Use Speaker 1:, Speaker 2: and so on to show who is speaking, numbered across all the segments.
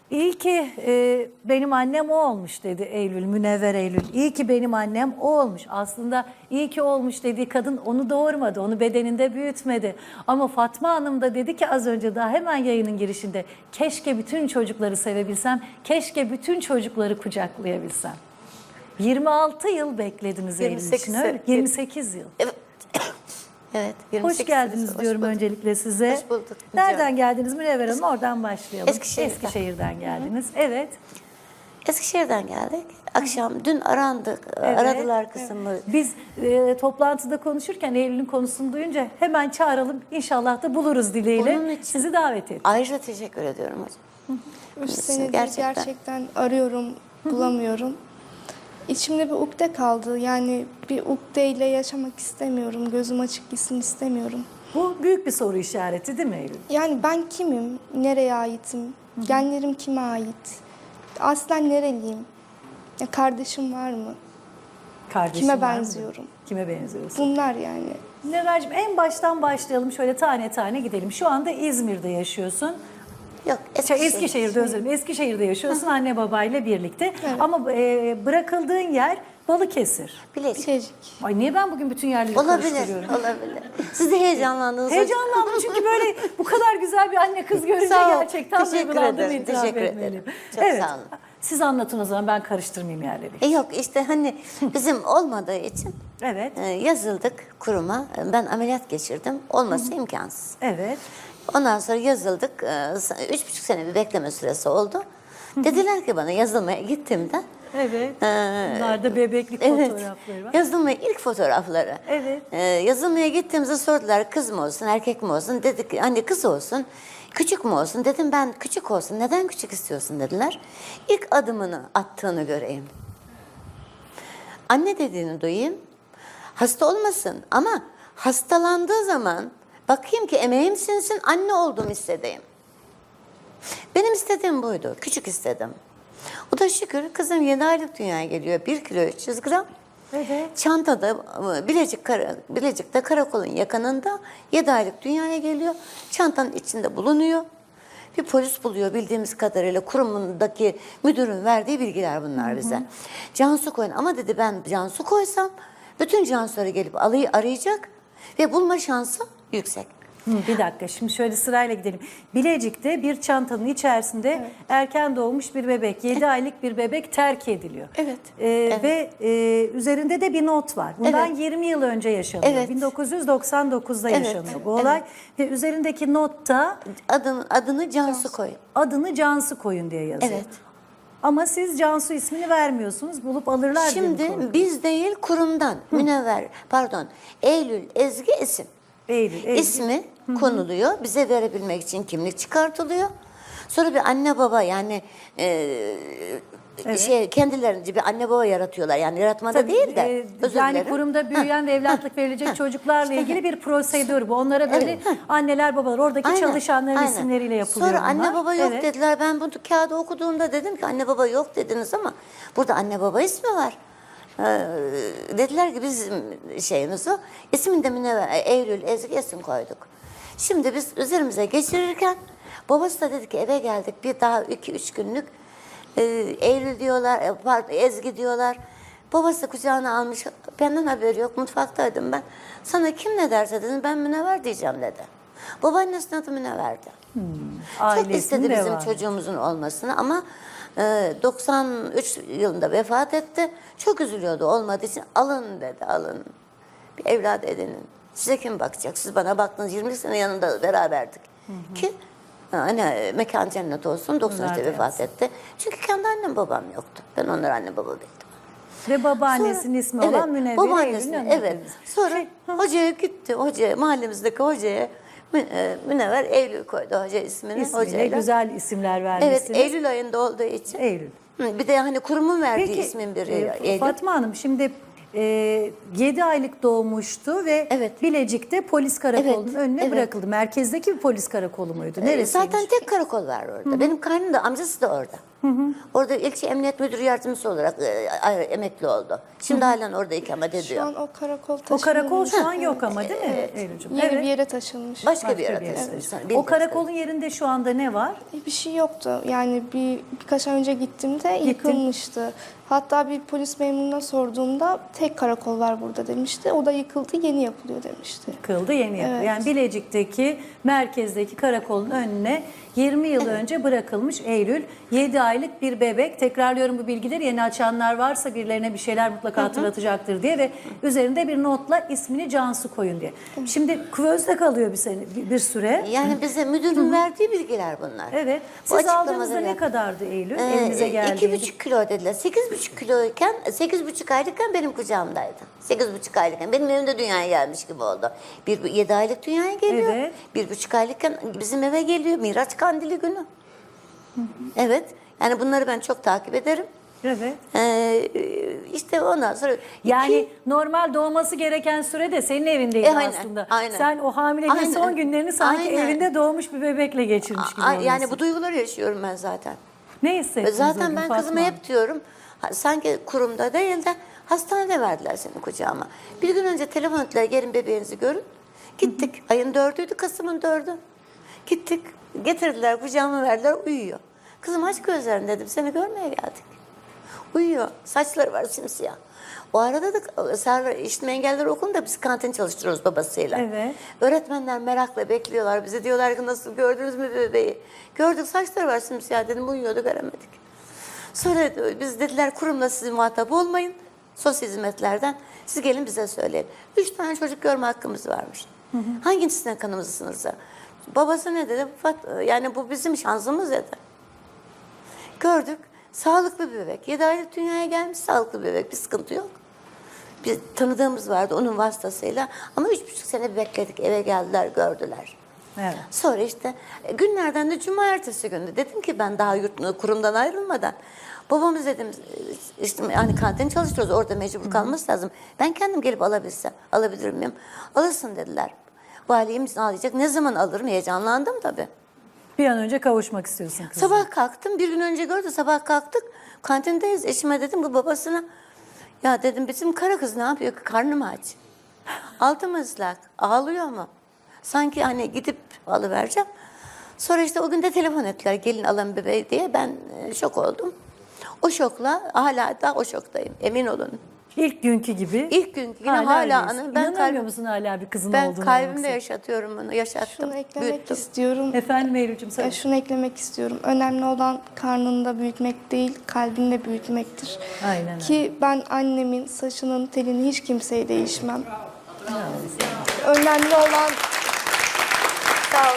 Speaker 1: İyi ki benim annem o olmuş dedi Eylül, Münevver Eylül. İyi ki benim annem o olmuş. Aslında iyi ki olmuş dediği kadın onu doğurmadı, onu bedeninde büyütmedi. Ama Fatma Hanım da dedi ki az önce daha hemen yayının girişinde, keşke bütün çocukları sevebilsem, keşke bütün çocukları kucaklayabilsem. 26 yıl beklediniz Eylül
Speaker 2: 28
Speaker 1: için, öyle mi?
Speaker 2: sene.
Speaker 1: 28 yıl.
Speaker 2: Evet. Evet. 28
Speaker 1: Hoş geldiniz
Speaker 2: hoş
Speaker 1: diyorum
Speaker 2: bulduk.
Speaker 1: öncelikle size.
Speaker 2: Hoş bulduk.
Speaker 1: Nereden geldiniz Münevver Hanım? Oradan başlayalım.
Speaker 2: Eskişehir'den.
Speaker 1: Geldiniz. Evet.
Speaker 2: Eskişehir'den geldik. Akşam dün arandık.
Speaker 1: Evet.
Speaker 2: Aradılar kızımı.
Speaker 1: Biz toplantıda konuşurken Eylül'ün konusunu duyunca hemen çağıralım. İnşallah da buluruz dileğiyle.
Speaker 2: Bunun için-
Speaker 1: Sizi davet ettik.
Speaker 2: Ayrıca teşekkür ediyorum hocam.
Speaker 3: 3 senedir
Speaker 2: Gerçekten.
Speaker 3: gerçekten arıyorum, bulamıyorum. İçimde bir ukde kaldı. Yani bir ukdeyle yaşamak istemiyorum. Gözüm açık gitsin istemiyorum.
Speaker 1: Bu büyük bir soru işareti değil mi Eylül?
Speaker 3: Yani ben kimim? Nereye aitim? Genlerim kime ait? Aslen nereliyim? Ya kardeşim var mı?
Speaker 1: Kardeşim
Speaker 3: Kime
Speaker 1: var mı?
Speaker 3: benziyorum?
Speaker 1: Kime benziyorsun?
Speaker 3: Bunlar yani.
Speaker 1: Münevver'cim en baştan başlayalım. Şöyle tane tane gidelim. Şu anda İzmir'de yaşıyorsun.
Speaker 2: Yok
Speaker 1: Eskişehir'de özür dilerim. Eskişehir'de yaşıyorsun anne babayla birlikte. Ama bırakıldığın yer Balıkesir.
Speaker 2: Bilecik.
Speaker 3: Bilecik.
Speaker 1: Ay niye ben bugün bütün yerleri
Speaker 2: Olabilir.
Speaker 1: karıştırıyorum?
Speaker 2: Olabilir. Siz de heyecanlandınız.
Speaker 1: Heyecanlandım çünkü böyle bu kadar güzel bir anne kız görünce
Speaker 2: Sağ ol.
Speaker 1: gerçekten
Speaker 2: Teşekkür
Speaker 1: duygulandığımı
Speaker 2: ederim,
Speaker 1: itiraf
Speaker 2: teşekkür
Speaker 1: etmeliyim.
Speaker 2: ederim. Çok
Speaker 1: Evet.
Speaker 2: sağ olun.
Speaker 1: Siz anlatın o zaman ben karıştırmayayım yerleri.
Speaker 2: Yok işte hani bizim olmadığı için
Speaker 1: Evet.
Speaker 2: yazıldık kuruma. Ben ameliyat geçirdim. Olması imkansız.
Speaker 1: Evet.
Speaker 2: Ondan sonra yazıldık. 3,5 sene bir bekleme süresi oldu. Dediler ki bana yazılmaya gittiğimde.
Speaker 1: Evet. Bunlar da bebeklik
Speaker 2: Evet.
Speaker 1: fotoğrafları var.
Speaker 2: Yazılmaya ilk fotoğrafları.
Speaker 1: Evet.
Speaker 2: Yazılmaya gittiğimizde sordular kız mı olsun erkek mi olsun. Dedik anne kız olsun. Küçük mü olsun? Dedim ben küçük olsun. Neden küçük istiyorsun dediler. İlk adımını attığını göreyim. Anne dediğini duyayım. Hasta olmasın ama hastalandığı zaman bakayım ki emeğim sinsin, anne olduğumu hissedeyim. Benim istediğim buydu. Küçük istedim. O da şükür kızım 7 aylık dünyaya geliyor. 1 kilo 300 gram.
Speaker 1: Evet.
Speaker 2: Çantada Bilecik'te karakolun yakınında 7 aylık dünyaya geliyor. Çantanın içinde bulunuyor. Bir polis buluyor bildiğimiz kadarıyla kurumundaki müdürün verdiği bilgiler bunlar bize. Cansu koyun ama dedi ben Cansu koysam bütün Cansu'ları gelip arayacak ve bulma şansı yüksek.
Speaker 1: Bir dakika şimdi şöyle sırayla gidelim. Bilecik'te bir çantanın içerisinde erken doğmuş bir bebek, 7 aylık bir bebek terk ediliyor.
Speaker 2: Evet.
Speaker 1: Ve üzerinde de bir not var. Bundan
Speaker 2: Evet.
Speaker 1: 20 yıl önce yaşanıyor.
Speaker 2: Evet.
Speaker 1: 1999'da
Speaker 2: Evet.
Speaker 1: yaşanıyor bu olay. Ve üzerindeki notta
Speaker 2: Adını Cansu koyun.
Speaker 1: adını Cansu koyun diye yazıyor.
Speaker 2: Evet.
Speaker 1: Ama siz Cansu ismini vermiyorsunuz. Bulup alırlar diye mi
Speaker 2: Şimdi
Speaker 1: korkuyorsunuz?
Speaker 2: biz değil kurumdan Eylül Ezgi isim.
Speaker 1: Eylül.
Speaker 2: İsmi konuluyor. Bize verebilmek için kimlik çıkartılıyor. Sonra bir anne baba yani kendilerince bir anne baba yaratıyorlar. Yani yaratmada
Speaker 1: Tabii,
Speaker 2: değil de özür
Speaker 1: yani
Speaker 2: dilerim.
Speaker 1: kurumda büyüyen ve evlatlık verilecek çocuklarla ilgili bir prosedür bu. Onlara böyle
Speaker 2: Evet.
Speaker 1: anneler babalar oradaki
Speaker 2: Aynen,
Speaker 1: çalışanların
Speaker 2: aynen.
Speaker 1: isimleriyle yapılıyor
Speaker 2: Sonra
Speaker 1: bunlar.
Speaker 2: anne baba yok
Speaker 1: Evet.
Speaker 2: dediler. Ben bunu kağıdı okuduğumda dedim ki anne baba yok dediniz ama burada anne baba ismi var. Dediler ki bizim şeyimiz o. İsmini de Münevver, Eylül, Ezgi isim koyduk. Şimdi biz üzerimize geçirirken babası da dedi ki eve geldik bir daha 2-3 günlük Eylül diyorlar, Ezgi diyorlar. Babası kucağına almış, benden haberi yok, mutfaktaydım ben. Sana kim ne derse dedim, ben Münevver diyeceğim dedi. Babaannesinin adı Münevver'di. Çok
Speaker 1: Ailesinin
Speaker 2: istedi bizim
Speaker 1: devamı.
Speaker 2: çocuğumuzun olmasını ama 93 yılında vefat etti. Çok üzülüyordu olmadığı için alın dedi, alın. Bir evlat edinin. Size kim bakacak? Siz bana baktınız 20 sene yanında beraberdik. Ki hani mekan cennet olsun 93'te
Speaker 1: Nerede
Speaker 2: vefat etti. Çünkü kendi annem babam yoktu. Ben onları anne baba bildim.
Speaker 1: Ve babaannesinin ismi olan Münevver
Speaker 2: babaannesinin,
Speaker 1: Eylül'ün
Speaker 2: evet.
Speaker 1: önünde.
Speaker 2: Sonra hocaya gitti. Mahallemizdeki hocaya Münevver Eylül koydu hoca ismini.
Speaker 1: İsmiyle
Speaker 2: hocayla.
Speaker 1: güzel isimler
Speaker 2: Evet,
Speaker 1: vermişsiniz.
Speaker 2: Eylül ayında olduğu için.
Speaker 1: Eylül.
Speaker 2: Bir de hani kurumun verdiği
Speaker 1: Peki
Speaker 2: ismin biri Eylül.
Speaker 1: Fatma Hanım şimdi 7 aylık doğmuştu ve
Speaker 2: Evet.
Speaker 1: Bilecik'te polis karakolunun
Speaker 2: Evet,
Speaker 1: önüne
Speaker 2: evet.
Speaker 1: bırakıldı. Merkezdeki bir polis karakolu muydu? Neresiymiş?
Speaker 2: Zaten tek karakol var orada. Benim kaynım da amcası da orada. Orada ilçe emniyet müdürü yardımcısı olarak emekli oldu. Şimdi halen orada ikamet
Speaker 3: Şu
Speaker 2: ediyor.
Speaker 3: an o karakol
Speaker 1: O
Speaker 3: taşınmış.
Speaker 1: karakol şu an yok ama değil mi Eylül'cüğüm?
Speaker 3: Yeni bir yere taşınmış.
Speaker 2: Başka bir
Speaker 1: Başka
Speaker 2: yere
Speaker 1: bir yere
Speaker 2: taşınmış.
Speaker 1: taşınmış.
Speaker 2: Bilmiyorum.
Speaker 1: O karakolun yerinde şu anda ne var?
Speaker 3: Bir şey yoktu. Yani birkaç ay önce gittiğimde yıkılmıştı. Hatta bir polis memuruna sorduğumda tek karakol var burada demişti. O da yıkıldı, yeni yapılıyor demişti.
Speaker 1: Kıldı yeni yapıyor.
Speaker 3: Evet.
Speaker 1: Yani Bilecik'teki merkezdeki karakolun önüne 20 yıl önce bırakılmış Eylül. 7 aylık bir bebek. Tekrarlıyorum bu bilgileri, yeni açanlar varsa birilerine bir şeyler mutlaka hatırlatacaktır diye ve üzerinde bir notla ismini Cansu koyun diye. Şimdi kuvözde kalıyor bir süre.
Speaker 2: Yani bize müdürün verdiği bilgiler bunlar.
Speaker 1: Evet.
Speaker 2: Bu
Speaker 1: Siz aldığınızda
Speaker 2: açıklamaları-
Speaker 1: ne kadardı Eylül? Evinize geldiğinde.
Speaker 2: 2,5 kilo dediler. 8,5 kiloyken, 8,5 aylıkken benim kucağımdaydı. 8,5 aylıkken. Benim evimde dünyaya gelmiş gibi oldu. 7 aylık dünyaya geliyor.
Speaker 1: Evet.
Speaker 2: 1,5 aylıkken bizim eve geliyor. Miraç Kandili günü. Evet. Yani bunları ben çok takip ederim.
Speaker 1: Evet.
Speaker 2: İşte ondan sonra...
Speaker 1: Yani normal doğması gereken sürede senin evindeydi
Speaker 2: Aynen,
Speaker 1: aslında.
Speaker 2: aynen.
Speaker 1: Sen o hamileliğin
Speaker 2: Aynen.
Speaker 1: son günlerini sanki
Speaker 2: Aynen.
Speaker 1: evinde doğmuş bir bebekle geçirmiş gibi
Speaker 2: Yani
Speaker 1: oluyorsun.
Speaker 2: bu duyguları yaşıyorum ben zaten.
Speaker 1: Ne hissettiniz o
Speaker 2: Zaten
Speaker 1: gün
Speaker 2: ben
Speaker 1: Fatma
Speaker 2: kızıma
Speaker 1: Hanım?
Speaker 2: hep diyorum, sanki kurumda değil de hastanede verdiler seni kucağıma. Bir gün önce telefon ettiler, gelin bebeğinizi görün. Gittik. Ayın 4'üydü, Kasım'ın 4'ü. Gittik. Getirdiler, kucağıma verdiler, uyuyor. Kızım aç gözlerini dedim, seni görmeye geldik. Uyuyor. Saçları var simsiyah. O arada da Server İşitme Engelliler Okulu'nda biz kantin çalıştırıyoruz babasıyla.
Speaker 1: Evet.
Speaker 2: Öğretmenler merakla bekliyorlar bizi. Diyorlar ki nasıl, gördünüz mü bebeği? Gördük, saçları var simsiyah dedim, uyuyordu, göremedik. Sonra biz dediler kurumla siz muhatap olmayın. Sosyal hizmetlerden siz gelin bize söyleyin. 3 tane çocuk görme hakkımız varmış. Hangisine kanımızı sınırsa? Babası ne dedi? Yani bu bizim şansımız dedi. Gördük. Sağlıklı bir bebek. 7 aylık dünyaya gelmiş, sağlıklı bir bebek. Bir sıkıntı yok. Bir tanıdığımız vardı onun vasıtasıyla. Ama 3,5 sene bekledik. Eve geldiler, gördüler.
Speaker 1: Evet.
Speaker 2: Sonra işte günlerden de cuma ertesi gündü. Dedim ki ben daha kurumdan ayrılmadan. Babamız dedim işte hani kantin çalıştırıyoruz, orada mecbur kalması lazım. Ben kendim gelip alabilsem, alabilir miyim? Alırsın dediler. Valiyim alacak. Ne zaman alırım? Heyecanlandım tabii.
Speaker 1: Bir an önce kavuşmak istiyorsun kızım.
Speaker 2: Sabah kalktım, bir gün önce gördü, sabah kalktık. Kantindeyiz, eşime dedim bu babasına. Ya dedim bizim kara kız ne yapıyor ki, karnım aç. Altım ıslak, ağlıyor mu? Sanki hani gidip alıvereceğim. Sonra işte o gün de telefon ettiler, gelin alın bebeği diye. Ben şok oldum. O şokla hala da o şoktayım, emin olun.
Speaker 1: İlk günkü gibi.
Speaker 2: İlk günkü yine hala
Speaker 1: öyleyiz.
Speaker 2: anı. Ben
Speaker 1: İnanamıyor musun hala bir kızın
Speaker 2: ben
Speaker 1: olduğunu?
Speaker 2: kalbimde
Speaker 1: yoksa?
Speaker 2: yaşatıyorum bunu, yaşattım,
Speaker 3: Şunu eklemek
Speaker 2: büyüttüm.
Speaker 3: istiyorum.
Speaker 1: Efendim Eylül'cüğüm söyle.
Speaker 3: Şunu eklemek istiyorum. Önemli olan karnında büyütmek değil, kalbinde büyütmektir.
Speaker 1: Aynen öyle.
Speaker 3: Ki ben annemin saçının telini hiç kimseye değişmem. Önemli olan
Speaker 2: Sağ ol.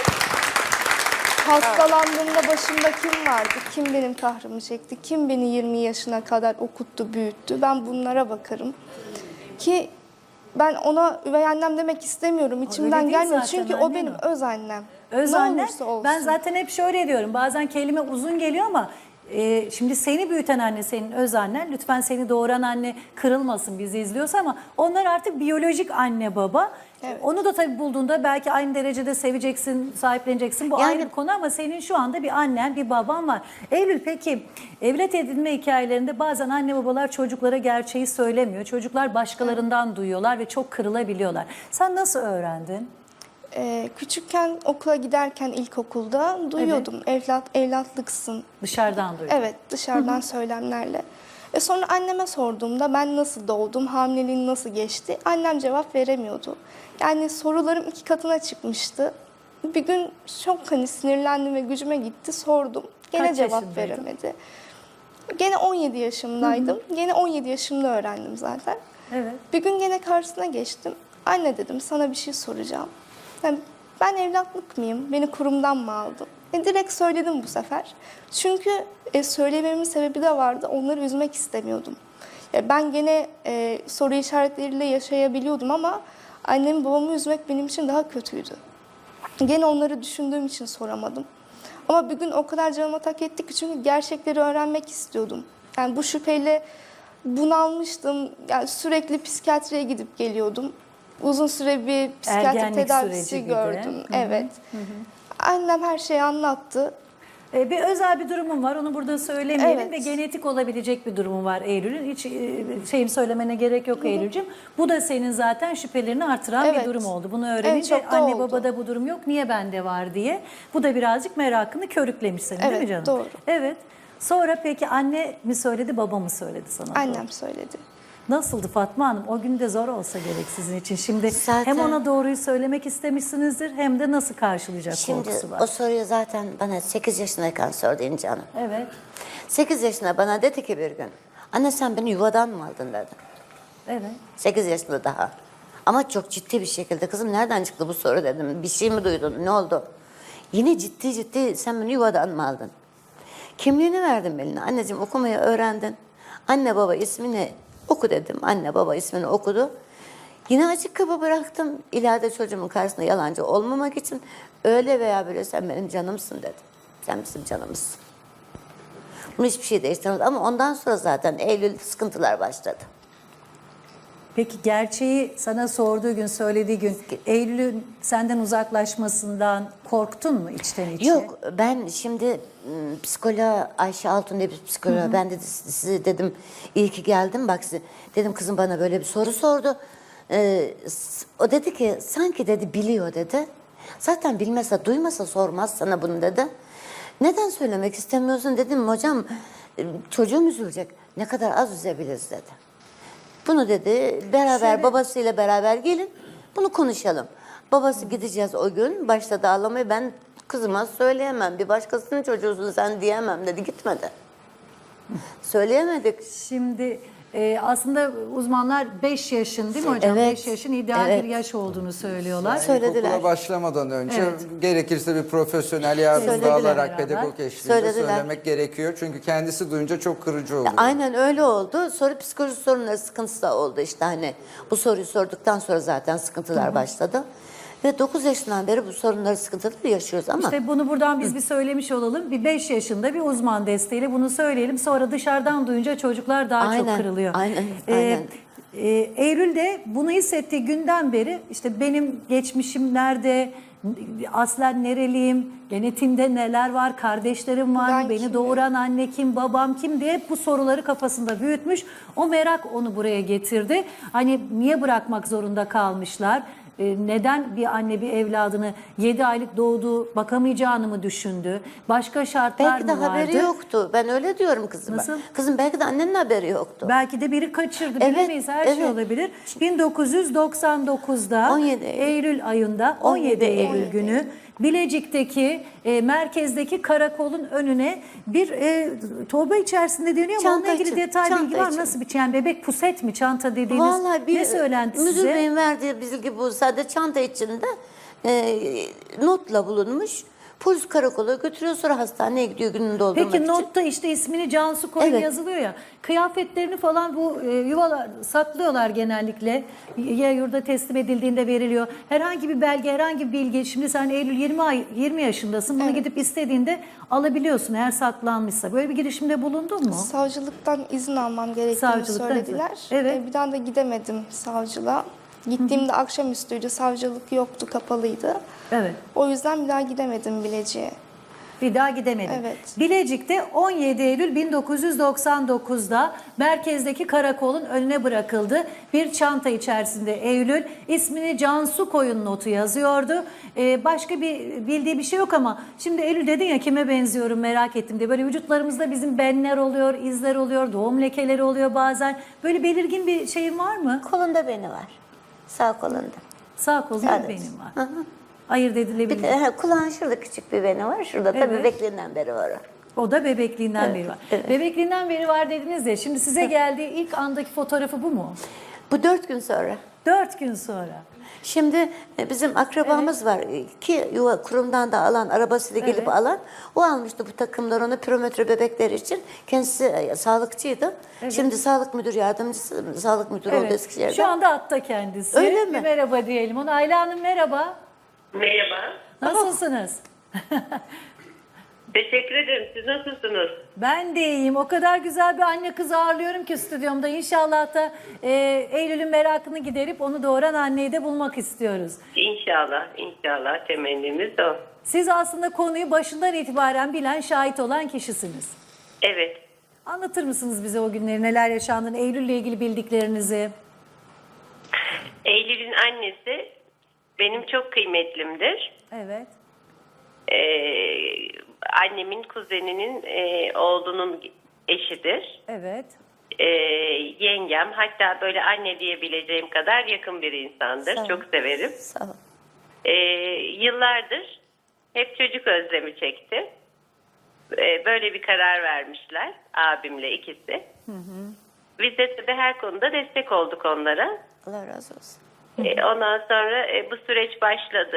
Speaker 3: hastalandığımda başımda kim vardı, kim benim kahrımı çekti, kim beni 20 yaşına kadar okuttu, büyüttü. Ben bunlara bakarım. Ki ben ona üvey annem demek istemiyorum. İçimden
Speaker 1: değil
Speaker 3: gelmiyor.
Speaker 1: zaten,
Speaker 3: Çünkü o
Speaker 1: annen
Speaker 3: benim
Speaker 1: o.
Speaker 3: öz annem.
Speaker 1: Öz
Speaker 3: ne
Speaker 1: anne,
Speaker 3: olursa olsun.
Speaker 1: ben zaten hep şöyle diyorum. Bazen kelime uzun geliyor ama şimdi seni büyüten anne senin öz annen. Lütfen seni doğuran anne kırılmasın bizi izliyorsa ama onlar artık biyolojik anne baba.
Speaker 3: Evet.
Speaker 1: Onu da tabii bulduğunda belki aynı derecede seveceksin, sahipleneceksin. Bu
Speaker 2: Yani-
Speaker 1: ayrı bir konu ama senin şu anda bir annen, bir baban var. Eylül peki evlat edinme hikayelerinde bazen anne babalar çocuklara gerçeği söylemiyor. Çocuklar başkalarından duyuyorlar ve çok kırılabiliyorlar. Sen nasıl öğrendin?
Speaker 3: Küçükken okula giderken ilkokulda duyuyordum. Evlatlıksın.
Speaker 1: Dışarıdan duydun.
Speaker 3: Evet, dışarıdan söylemlerle. Sonra anneme sorduğumda ben nasıl doğdum, hamileliğin nasıl geçti? Annem cevap veremiyordu. Yani sorularım 2 katına çıkmıştı. Bir gün çok sinirlendim ve gücüme gitti, sordum. Gene
Speaker 1: Kaç
Speaker 3: cevap
Speaker 1: yaşındaydın?
Speaker 3: veremedi. Gene 17 yaşımdaydım. Gene 17 yaşımda öğrendim zaten.
Speaker 1: Evet.
Speaker 3: Bir gün gene karşısına geçtim. Anne dedim, sana bir şey soracağım. Yani ben evlatlık mıyım? Beni kurumdan mı aldın? Direkt söyledim bu sefer. Çünkü söylememin sebebi de vardı. Onları üzmek istemiyordum. Ben gene soru işaretleriyle yaşayabiliyordum ama annemi babamı üzmek benim için daha kötüydü. Gene onları düşündüğüm için soramadım. Ama bir gün o kadar canıma tak etti ki çünkü gerçekleri öğrenmek istiyordum. Yani bu şüpheyle bunalmıştım. Yani sürekli psikiyatriye gidip geliyordum. Uzun süre bir psikiyatri
Speaker 1: Ergenlik
Speaker 3: tedavisi
Speaker 1: süreci gibi.
Speaker 3: gördüm. Evet. Annem her şeyi anlattı.
Speaker 1: Bir özel bir durumum var. Onu burada söylemeyelim
Speaker 3: Evet.
Speaker 1: ve genetik olabilecek bir durumu var Eylül'ün. Hiç şeyim söylemene gerek yok Eylül'cüm. Bu da senin zaten şüphelerini artıran bir
Speaker 3: Evet.
Speaker 1: durum oldu. Bunu öğrenince
Speaker 3: çok da
Speaker 1: anne
Speaker 3: oldu.
Speaker 1: babada bu durum yok. Niye bende var diye. Bu da birazcık merakını körüklemiş senin değil mi
Speaker 3: Evet,
Speaker 1: canım?
Speaker 3: doğru.
Speaker 1: Evet. Sonra peki anne mi söyledi, baba mı söyledi sana?
Speaker 3: Annem söyledi.
Speaker 1: Nasıldı Fatma Hanım? O gün de zor olsa gerek sizin için. Şimdi
Speaker 2: Zaten-
Speaker 1: hem ona doğruyu söylemek istemişsinizdir hem de nasıl karşılayacak
Speaker 2: Şimdi
Speaker 1: korkusu var.
Speaker 2: o soruyu zaten bana 8 yaşındayken sordu İnci Hanım.
Speaker 1: Evet.
Speaker 2: 8 yaşında bana dedi ki bir gün, anne sen beni yuvadan mı aldın dedi.
Speaker 1: Evet.
Speaker 2: 8 yaşında daha. Ama çok ciddi bir şekilde, kızım nereden çıktı bu soru dedim. Bir şey mi duydun, ne oldu? Yine ciddi sen beni yuvadan mı aldın? Kimliğini verdim eline. Anneciğim okumayı öğrendin. Anne baba ismini oku dedim. Anne baba ismini okudu. Yine açık kapı bıraktım. İleride çocuğumun karşısında yalancı olmamak için öyle veya böyle sen benim canımsın dedim. Sen bizim canımızsın. Bunu hiçbir şey değiştirmedi ama ondan sonra zaten Eylül sıkıntılar başladı.
Speaker 1: Peki gerçeği sana sorduğu gün, söylediği gün Eylül'ün senden uzaklaşmasından korktun mu içten içe?
Speaker 2: Yok ben şimdi psikoloğa Ayşe Altun diye bir psikoloğa ben dedi size dedim iyi ki geldim bak size dedim kızım bana böyle bir soru sordu. O dedi ki sanki dedi biliyor dedi. Zaten bilmese duymasa sormaz sana bunu dedi. Neden söylemek istemiyorsun dedim hocam çocuğum üzülecek ne kadar az üzebiliriz dedi. Bunu dedi beraber babasıyla beraber gelin bunu konuşalım. Babası gideceğiz o gün başladı ağlamaya ben kızıma söyleyemem bir başkasının çocuğusun sen diyemem dedi gitmedi. Söyleyemedik.
Speaker 1: Şimdi aslında uzmanlar 5 yaşın değil mi hocam?
Speaker 2: Evet.
Speaker 1: 5 yaşın ideal
Speaker 2: Evet.
Speaker 1: bir yaş olduğunu söylüyorlar.
Speaker 2: Söylediler.
Speaker 4: İlkokula başlamadan önce
Speaker 1: Evet.
Speaker 4: gerekirse bir profesyonel yardımcı
Speaker 2: Söylediler
Speaker 4: alarak
Speaker 1: beraber.
Speaker 4: pedagog eşliğinde
Speaker 2: Söylediler.
Speaker 4: söylemek gerekiyor. Çünkü kendisi duyunca çok kırıcı oluyor.
Speaker 2: Aynen öyle oldu. Sonra psikoloji sorunları sıkıntısı da oldu işte hani bu soruyu sorduktan sonra zaten sıkıntılar başladı. Ve 9 yaşından beri bu sorunları sıkıntıları yaşıyoruz ama
Speaker 1: İşte bunu buradan biz bir söylemiş olalım. Bir 5 yaşında bir uzman desteğiyle bunu söyleyelim. Sonra dışarıdan duyunca çocuklar daha çok
Speaker 2: Aynen,
Speaker 1: kırılıyor.
Speaker 2: aynen,
Speaker 1: Ee,
Speaker 2: aynen.
Speaker 1: Eylül de bunu hissettiği günden beri işte benim geçmişim nerede, aslen nereliyim, genetimde neler var, kardeşlerim var mı,
Speaker 3: Ben
Speaker 1: beni
Speaker 3: kimim?
Speaker 1: doğuran anne kim, babam kim diye hep bu soruları kafasında büyütmüş. O merak onu buraya getirdi. Hani niye bırakmak zorunda kalmışlar? Neden bir anne bir evladını 7 aylık doğduğu bakamayacağını mı düşündü? Başka şartlar
Speaker 2: belki de
Speaker 1: mı vardı?
Speaker 2: haberi yoktu. Ben öyle diyorum kızıma.
Speaker 1: Nasıl?
Speaker 2: Kızım belki de annenin haberi yoktu.
Speaker 1: Belki de biri kaçırdı
Speaker 2: Evet,
Speaker 1: bilemeyiz her şey
Speaker 2: evet.
Speaker 1: olabilir. 1999'da
Speaker 2: 17
Speaker 1: Eylül ayında 17 Eylül
Speaker 2: 17
Speaker 1: günü Bilecik'teki merkezdeki karakolun önüne bir torba içerisinde deniyor ama
Speaker 2: Çanta
Speaker 1: onunla ilgili
Speaker 2: için,
Speaker 1: detay
Speaker 2: çanta
Speaker 1: bilgi var mı?
Speaker 2: için.
Speaker 1: Nasıl bir şey? Yani bebek puset mi çanta dediğiniz
Speaker 2: Vallahi bir
Speaker 1: ne söylendi
Speaker 2: müdür
Speaker 1: size?
Speaker 2: beyin verdiği bilgi bu. Sadece çanta içinde notla bulunmuş. Polis karakola götürüyor sonra hastaneye gidiyor gününü doldurmak
Speaker 1: Peki
Speaker 2: için.
Speaker 1: notta işte ismini Cansu Koyun
Speaker 2: Evet.
Speaker 1: yazılıyor ya. Kıyafetlerini falan bu yuvalar saklıyorlar genellikle. Ya yurda teslim edildiğinde veriliyor. Herhangi bir belge, herhangi bir bilgi. Şimdi sen Eylül 20 yaşındasın. Bunu gidip istediğinde alabiliyorsun eğer saklanmışsa. Böyle bir girişimde bulundun mu?
Speaker 3: Savcılıktan izin almam gerektiğini
Speaker 1: Savcılıktan
Speaker 3: söylediler.
Speaker 1: izin. Evet.
Speaker 3: Bir daha da gidemedim savcılığa. Gittiğimde akşamüstüydü, savcılık yoktu, kapalıydı.
Speaker 1: Evet.
Speaker 3: O yüzden bir daha gidemedim Bilecik'e.
Speaker 1: Bir daha gidemedim.
Speaker 3: Evet.
Speaker 1: Bilecik'te 17 Eylül 1999'da merkezdeki karakolun önüne bırakıldı. Bir çanta içerisinde Eylül ismini Cansu Koyun notu yazıyordu. Başka bir bildiği bir şey yok ama şimdi Eylül dedin ya kime benziyorum merak ettim diye. Böyle vücutlarımızda bizim benler oluyor, izler oluyor, doğum lekeleri oluyor bazen. Böyle belirgin bir şeyin var mı?
Speaker 2: Kolunda beni var. Sağ kolunda.
Speaker 1: Sağ kolunda
Speaker 2: Sadece.
Speaker 1: benim var. Ayırt edilebilir.
Speaker 2: Bir de kulağın şurada küçük bir beni var. Şurada tabii
Speaker 1: Evet.
Speaker 2: bebekliğinden beri var o.
Speaker 1: O da bebekliğinden beri var.
Speaker 2: evet.
Speaker 1: Bebekliğinden beri var dediniz ya. Şimdi size geldiği ilk andaki fotoğrafı bu mu?
Speaker 2: Bu 4 gün sonra.
Speaker 1: 4 gün sonra.
Speaker 2: Şimdi bizim akrabamız var ki yuva kurumdan da alan, arabasıyla gelip
Speaker 1: Evet.
Speaker 2: alan. O almıştı bu takımları ona pirometre bebekleri için. Kendisi sağlıkçıydı. Şimdi sağlık müdür yardımcısı, sağlık müdürü oldu Eskişehir'de.
Speaker 1: Şu anda atta kendisi.
Speaker 2: Öyle mi?
Speaker 1: Bir merhaba diyelim ona. Ayla Hanım merhaba.
Speaker 5: Merhaba.
Speaker 1: Nasılsınız?
Speaker 5: Teşekkür ederim. Siz nasılsınız?
Speaker 1: Ben de iyiyim. O kadar güzel bir anne kız ağırlıyorum ki stüdyomda. İnşallah da Eylül'ün merakını giderip onu doğuran anneyi de bulmak istiyoruz.
Speaker 5: İnşallah, inşallah temennimiz o.
Speaker 1: Siz aslında konuyu başından itibaren bilen, şahit olan kişisiniz.
Speaker 5: Evet.
Speaker 1: Anlatır mısınız bize o günleri, neler yaşandığını, Eylül'le ilgili bildiklerinizi?
Speaker 5: Eylül'ün annesi benim çok kıymetlimdir.
Speaker 1: Evet.
Speaker 5: Annemin kuzeninin oğlunun eşidir.
Speaker 1: Evet.
Speaker 5: Yengem, hatta böyle anne diyebileceğim kadar yakın bir insandır.
Speaker 2: Sağ ol.
Speaker 5: Çok severim.
Speaker 2: Sağ ol.
Speaker 5: Yıllardır hep çocuk özlemi çekti. Böyle bir karar vermişler abimle ikisi. Biz de tabii her konuda destek olduk onlara.
Speaker 2: Allah razı olsun.
Speaker 5: Ondan sonra bu süreç başladı.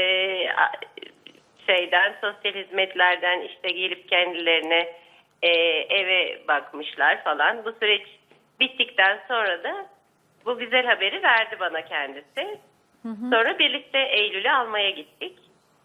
Speaker 5: Sosyal hizmetlerden işte gelip kendilerine eve bakmışlar falan. Bu süreç bittikten sonra da bu güzel haberi verdi bana kendisi. Sonra birlikte Eylül'ü almaya gittik.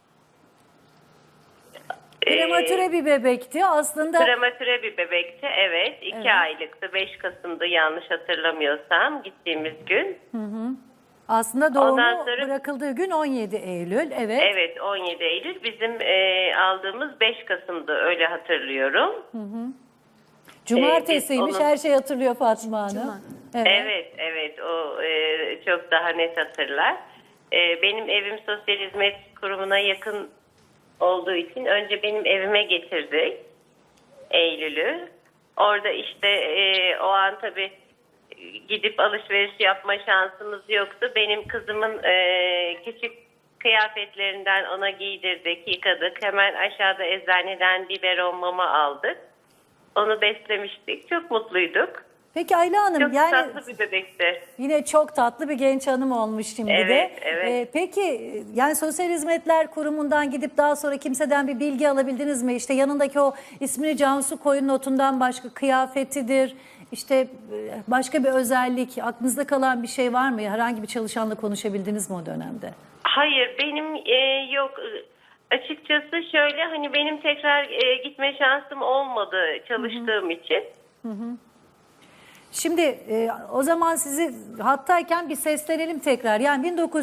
Speaker 1: Prematüre bir bebekti aslında.
Speaker 5: Prematüre bir bebekti, evet. 2 aylıktı. 5 Kasım'da yanlış hatırlamıyorsam gittiğimiz gün.
Speaker 1: Aslında doğumu
Speaker 5: Ondan sonra-
Speaker 1: bırakıldığı gün 17 Eylül. Evet.
Speaker 5: Evet, 17 Eylül. Bizim aldığımız 5 Kasım'da, öyle hatırlıyorum.
Speaker 1: Cumartesiymiş,
Speaker 5: biz onu-
Speaker 1: her şey hatırlıyor Fatma Hanım. Evet.
Speaker 5: Evet. O çok daha net hatırlar. Benim evim Sosyal Hizmet Kurumu'na yakın olduğu için önce benim evime getirdik Eylül'ü. Orada işte o an tabii gidip alışveriş yapma şansımız yoktu. Benim kızımın küçük kıyafetlerinden ona giydirdik, yıkadık. Hemen aşağıda eczaneden biberon mama aldık. Onu beslemiştik. Çok mutluyduk.
Speaker 1: Peki Ayla Hanım,
Speaker 5: Çok
Speaker 1: yani
Speaker 5: tatlı bir bebekti.
Speaker 1: yine çok tatlı bir genç hanım olmuş şimdi
Speaker 5: Evet,
Speaker 1: de.
Speaker 5: evet.
Speaker 1: Peki yani Sosyal Hizmetler Kurumu'ndan gidip daha sonra kimseden bir bilgi alabildiniz mi? İşte yanındaki o ismini Cansu koyun notundan başka kıyafetidir, işte başka bir özellik, aklınızda kalan bir şey var mı? Herhangi bir çalışanla konuşabildiniz mi o dönemde?
Speaker 5: Hayır, benim yok. Açıkçası şöyle, hani benim tekrar gitme şansım olmadı çalıştığım için.
Speaker 1: Şimdi o zaman sizi hattayken bir seslenelim tekrar. Yani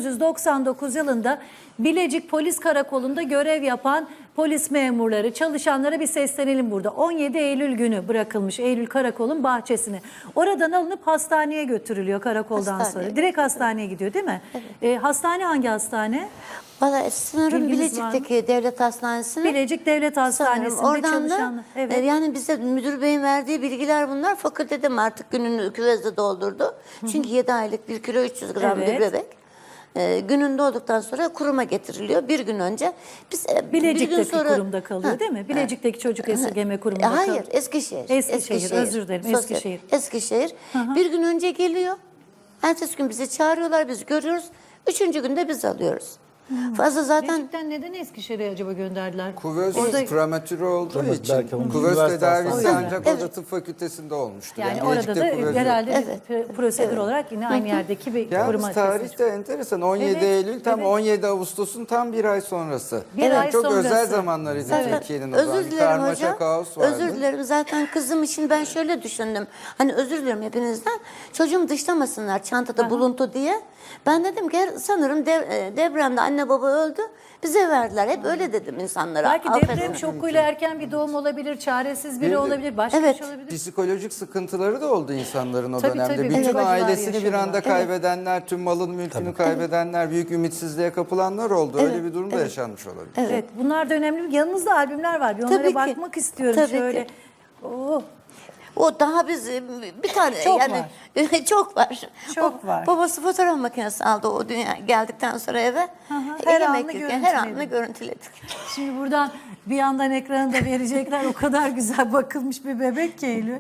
Speaker 1: 1999 yılında Bilecik Polis Karakolu'nda görev yapan polis memurları, çalışanlara bir seslenelim burada. 17 Eylül günü bırakılmış Eylül Karakol'un bahçesine. Oradan alınıp hastaneye götürülüyor karakoldan
Speaker 2: Hastaneye
Speaker 1: sonra. Direkt hastaneye gidiyor değil mi? Hastane hangi hastane?
Speaker 2: Valla sanırım
Speaker 1: Bilginiz var mı?
Speaker 2: Bilecik'teki devlet hastanesine.
Speaker 1: Bilecik Devlet Hastanesi'nde
Speaker 2: Oradan
Speaker 1: çalışanlar.
Speaker 2: da
Speaker 1: Evet.
Speaker 2: yani bize müdür beyin verdiği bilgiler bunlar. Fakültede mi artık gününü küvezde doldurdu. Çünkü 7 aylık 1 kilo 300 gram bir
Speaker 1: Evet.
Speaker 2: bebek. Gününde olduktan sonra kuruma getiriliyor. Bir gün önce biz bir gün
Speaker 1: Bilecik'teki
Speaker 2: sonra,
Speaker 1: kurumda kalıyor değil mi? Bilecik'teki çocuk esirgeme kurumunda
Speaker 2: Hayır,
Speaker 1: kalıyor.
Speaker 2: Eskişehir.
Speaker 1: Eskişehir, özür dilerim,
Speaker 2: Sosyal-
Speaker 1: Eskişehir.
Speaker 2: Eskişehir. Bir gün önce geliyor. Ertesi gün bizi çağırıyorlar, biz görüyoruz. 3. günde biz alıyoruz. Fazla zaten
Speaker 1: Bilecik'ten neden Eskişehir'e acaba gönderdiler?
Speaker 4: Kuvöz
Speaker 1: Orada-
Speaker 4: prematüre olduğu
Speaker 6: Evet,
Speaker 4: için
Speaker 6: belki onun
Speaker 4: kuvöz
Speaker 6: üniversite
Speaker 4: tedavisi
Speaker 6: hastanesi.
Speaker 4: ancak orada tıp fakültesinde olmuştu.
Speaker 1: Yani
Speaker 4: Bilecik'te
Speaker 1: orada da
Speaker 4: kuvöz yok.
Speaker 1: herhalde
Speaker 2: Evet.
Speaker 1: bir prosedür olarak yine aynı yerdeki bir
Speaker 4: Yalnız
Speaker 1: kuruma
Speaker 4: tarihte enteresan. 17
Speaker 1: Evet,
Speaker 4: Eylül tam
Speaker 1: evet.
Speaker 4: 17 Ağustos'un tam bir ay sonrası.
Speaker 1: Bir
Speaker 4: Yani
Speaker 1: ay
Speaker 4: çok
Speaker 1: sonrası.
Speaker 4: özel zamanlarıydı
Speaker 2: Zaten
Speaker 4: Türkiye'nin o zaman.
Speaker 2: özür
Speaker 4: Bir
Speaker 2: dilerim
Speaker 4: karmaşa
Speaker 2: hocam.
Speaker 4: kaos vardı.
Speaker 2: Özür dilerim. Zaten kızım için ben şöyle düşündüm. Hani özür dilerim hepinizden. Çocuğumu dışlamasınlar çantada buluntu diye. Ben dedim ki sanırım depremde anne baba öldü. Bize verdiler. Hep öyle dedim insanlara.
Speaker 1: Belki
Speaker 2: Affedin.
Speaker 1: deprem şokuyla erken bir doğum olabilir, çaresiz biri
Speaker 4: Bir de-
Speaker 1: olabilir, başka
Speaker 2: Evet.
Speaker 1: bir şey olabilir.
Speaker 4: Psikolojik sıkıntıları da oldu insanların o
Speaker 1: Tabii,
Speaker 4: dönemde.
Speaker 1: tabii.
Speaker 4: Bütün
Speaker 1: Evet.
Speaker 4: ailesini bir
Speaker 1: Yaşadılar.
Speaker 4: anda kaybedenler, tüm malın mülkünü kaybedenler, büyük ümitsizliğe kapılanlar oldu. Öyle bir durum da yaşanmış olabilir.
Speaker 1: Evet, bunlar da önemli. Yanınızda albümler var. Bir onlara
Speaker 2: Tabii ki.
Speaker 1: bakmak istiyorum
Speaker 2: Tabii
Speaker 1: şöyle.
Speaker 2: ki.
Speaker 1: Oo,
Speaker 2: O daha biz bir tane
Speaker 1: Çok
Speaker 2: yani çok var.
Speaker 1: Çok var.
Speaker 2: Babası fotoğraf makinesi aldı o dünya geldikten sonra eve.
Speaker 1: her
Speaker 2: Yemek
Speaker 1: anını
Speaker 2: yerken her anını
Speaker 1: görüntüledik.
Speaker 2: görüntüledik.
Speaker 1: Şimdi buradan bir yandan ekranı da verecekler. O kadar güzel bakılmış bir bebek ki Eylül.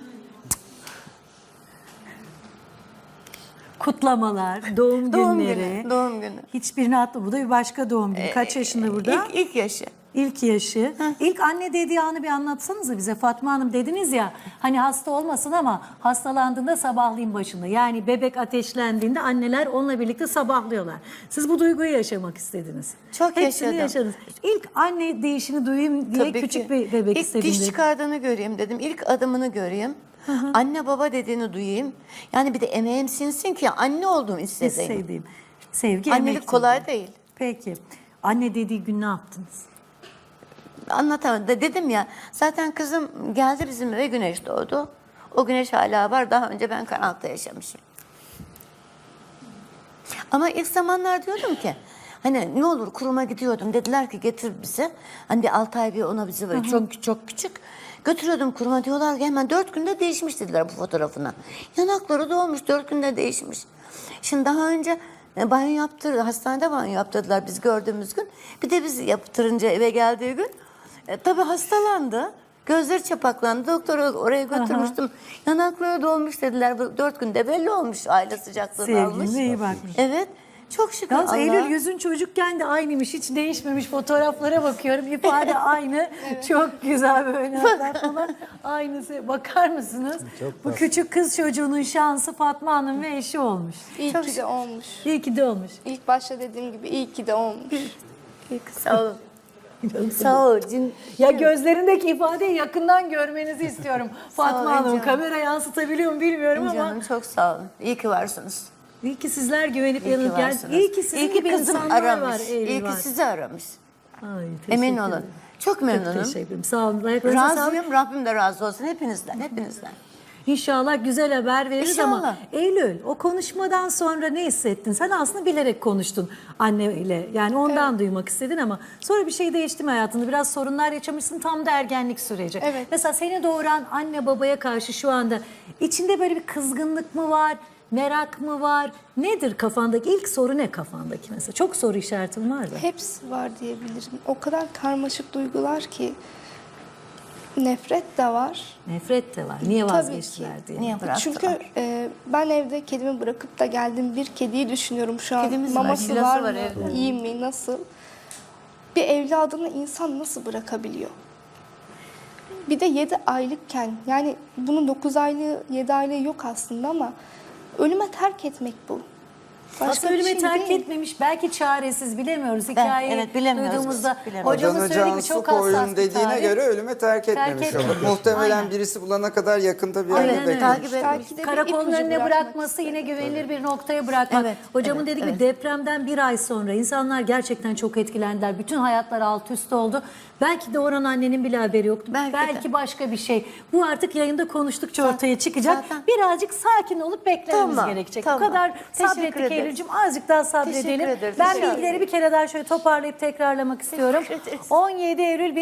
Speaker 1: Kutlamalar, doğum
Speaker 2: Doğum
Speaker 1: günleri.
Speaker 2: günü, doğum günü.
Speaker 1: Hiçbirini atma. Bu da bir başka doğum günü. Kaç yaşında burada?
Speaker 2: İlk yaşı.
Speaker 1: İlk yaşı. İlk anne dediği anı bir anlatsanıza bize Fatma Hanım. Dediniz ya hani hasta olmasın ama hastalandığında sabahlayın başında. Yani bebek ateşlendiğinde anneler onunla birlikte sabahlıyorlar. Siz bu duyguyu yaşamak istediniz.
Speaker 2: Çok
Speaker 1: Hepsini
Speaker 2: yaşadım.
Speaker 1: yaşadınız. İlk anne değişini duyayım diye
Speaker 2: Tabii
Speaker 1: küçük
Speaker 2: ki.
Speaker 1: bir bebek
Speaker 2: İlk
Speaker 1: istedim.
Speaker 2: diş
Speaker 1: dedi.
Speaker 2: çıkardığını göreyim dedim. İlk adımını göreyim. Anne baba dediğini duyayım. Yani bir de emeğim sinsin ki anne olduğumu hissedeyim.
Speaker 1: Sevdiğim. Sevgi,
Speaker 2: Annelik
Speaker 1: emek
Speaker 2: kolay
Speaker 1: dediğim.
Speaker 2: değil.
Speaker 1: Peki. Anne dediği gün ne yaptınız?
Speaker 2: Anlatamadım. Dedim ya zaten kızım geldi bizim eve, güneş doğdu. O güneş hala var. Daha önce ben karanlıkta yaşamışım. Ama ilk zamanlar diyordum ki hani ne olur kuruma gidiyordum. Dediler ki getir bize. Hani bir 6 ay bir ona bizi böyle çok küçük. Götürüyordum kuruma, diyorlar ki hemen 4 günde değişmiş dediler bu fotoğrafına. Yanakları dolmuş, 4 günde değişmiş. Şimdi daha önce banyo yaptırdı. Hastanede banyo yaptırdılar biz gördüğümüz gün. Bir de biz yaptırınca eve geldiği gün tabii hastalandı. Gözleri çapaklandı. Doktora oraya götürmüştüm. Yanakları dolmuş dediler. Bu 4 günde belli olmuş, aile sıcaklığını almış.
Speaker 1: Sevgiline iyi bakmış.
Speaker 2: Evet. Çok şükür
Speaker 1: Yalnız
Speaker 2: Allah'a.
Speaker 1: Eylül yüzün çocukken de aynıymış. Hiç değişmemiş. Fotoğraflara bakıyorum. İfade aynı. Çok güzel böyle hatta falan. Aynısı. Bakar mısınız? Bu küçük kız çocuğunun şansı Fatma Hanım ve eşi olmuş.
Speaker 3: İyi ki de olmuş.
Speaker 1: İyi ki de olmuş.
Speaker 3: İlk başta dediğim gibi iyi ki de olmuş.
Speaker 2: Sağ ol. Sağ ol.
Speaker 1: Ya gözlerindeki ifadeyi yakından görmenizi istiyorum. Fatma
Speaker 2: olun
Speaker 1: Hanım
Speaker 2: canım.
Speaker 1: kamera yansıtabiliyor mu bilmiyorum ama
Speaker 2: Canım çok sağ olun. İyi ki varsınız.
Speaker 1: iyi ki sizler güvenip
Speaker 2: İyi ki
Speaker 1: yanıp gel.
Speaker 2: varsınız.
Speaker 1: İyi ki sizin
Speaker 2: İyi ki
Speaker 1: gibi
Speaker 2: kızım
Speaker 1: insanlar
Speaker 2: aramış.
Speaker 1: var. Eylül
Speaker 2: İyi
Speaker 1: var.
Speaker 2: ki sizi aramış.
Speaker 1: Ay,
Speaker 2: Emin
Speaker 1: teşekkür
Speaker 2: olun.
Speaker 1: ederim.
Speaker 2: Çok
Speaker 1: Çok
Speaker 2: memnunum.
Speaker 1: teşekkür ederim. Sağ olun. Ayaklarınıza sağlık.
Speaker 2: Razıyım. Rabbim de razı olsun hepinizden. Hepinizden.
Speaker 1: İnşallah güzel haber veririz ama
Speaker 2: İnşallah.
Speaker 1: Eylül o konuşmadan sonra ne hissettin? Sen aslında bilerek konuştun anneyle. Yani ondan duymak istedin ama sonra bir şey değişti mi hayatında? Biraz sorunlar yaşamışsın, tam da ergenlik süreci.
Speaker 3: Evet.
Speaker 1: Mesela seni doğuran anne babaya karşı şu anda içinde böyle bir kızgınlık mı var? Merak mı var? Nedir kafandaki? İlk soru ne kafandaki mesela? Çok soru işaretim var da.
Speaker 3: Hepsi var diyebilirim. O kadar karmaşık duygular ki nefret de var.
Speaker 1: Nefret de var. Niye
Speaker 3: Tabii
Speaker 1: vazgeçtiler
Speaker 3: ki.
Speaker 1: diye.
Speaker 2: Niye bıraktılar?
Speaker 3: Çünkü ben evde kedimi bırakıp da geldim, bir kediyi düşünüyorum şu an.
Speaker 2: Kedimiz var,
Speaker 3: Maması
Speaker 2: Şilası
Speaker 3: var
Speaker 2: var
Speaker 3: mı?
Speaker 2: evde.
Speaker 3: İyi mi? Nasıl? Bir evladını insan nasıl bırakabiliyor? Bir de 7 aylıkken, yani bunun 9 aylığı 7 aylığı yok aslında ama ölüme terk etmek bu.
Speaker 1: Aslında
Speaker 3: bir
Speaker 1: ölüme
Speaker 3: şey
Speaker 1: terk
Speaker 3: değil.
Speaker 1: etmemiş. Belki çaresiz, bilemiyoruz. Hikayeyi
Speaker 2: evet, bilemiyoruz
Speaker 1: duyduğumuzda
Speaker 2: biz, bilemiyoruz.
Speaker 1: hocamın
Speaker 4: Adana
Speaker 1: söylediği gibi
Speaker 4: Cansu
Speaker 1: çok hassas
Speaker 4: Koyun
Speaker 1: bir
Speaker 4: dediğine
Speaker 1: tarih.
Speaker 4: göre ölüme terk etmemiş olur.
Speaker 1: etmemiş.
Speaker 4: Muhtemelen
Speaker 1: Aynen.
Speaker 4: birisi bulana kadar yakında bir
Speaker 1: Aynen
Speaker 4: yerde
Speaker 1: öyle.
Speaker 4: beklemiş.
Speaker 2: Takip etmiş.
Speaker 3: Belki de bir
Speaker 1: Karakolun
Speaker 3: ipucu
Speaker 1: önüne
Speaker 3: bırakmak
Speaker 1: bırakması, yine
Speaker 3: istedi.
Speaker 1: güvenilir bir noktaya bırakmak.
Speaker 2: Evet,
Speaker 1: Hocamın
Speaker 2: evet,
Speaker 1: dediği gibi
Speaker 2: evet.
Speaker 1: depremden bir ay sonra insanlar gerçekten çok etkilendiler. Bütün hayatlar alt üst oldu. Belki de oran annenin bile haberi yoktu.
Speaker 2: Belki de.
Speaker 1: başka bir şey. Bu artık yayında konuştukça ortaya çıkacak.
Speaker 2: zaten.
Speaker 1: Birazcık sakin olup beklememiz
Speaker 2: Tamam,
Speaker 1: gerekecek.
Speaker 2: tamam.
Speaker 1: Bu kadar
Speaker 2: Teşekkür
Speaker 1: sabrettik
Speaker 2: ederiz.
Speaker 1: Eylül'cüğüm. Azıcık daha sabredelim.
Speaker 2: Teşekkür ederiz.
Speaker 1: Ben
Speaker 2: İnşallah.
Speaker 1: bilgileri bir kere daha şöyle toparlayıp tekrarlamak istiyorum.
Speaker 2: Teşekkür ederiz.
Speaker 1: 17 Eylül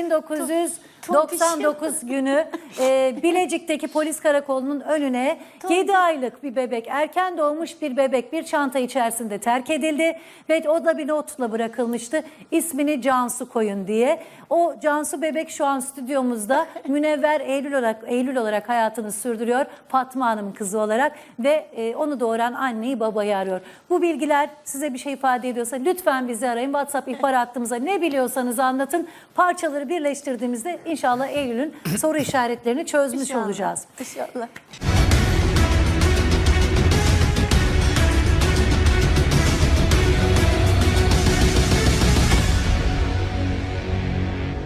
Speaker 1: 1999 günü Bilecik'teki polis karakolunun önüne 7 aylık bir bebek, erken doğmuş bir bebek bir çanta içerisinde terk edildi ve o da bir notla bırakılmıştı. İsmini Cansu koyun diye. O Cansu bebek şu an stüdyomuzda. Münevver Eylül olarak hayatını sürdürüyor. Fatma Hanım'ın kızı olarak ve onu doğuran anneyi babayı arıyor. Bu bilgiler size bir şey ifade ediyorsa lütfen bizi arayın. WhatsApp ihbar hattımıza ne biliyorsanız anlatın. Parçaları birleştirdiğimizde inşallah Eylül'ün soru işaretlerini çözmüş olacağız.
Speaker 2: İnşallah.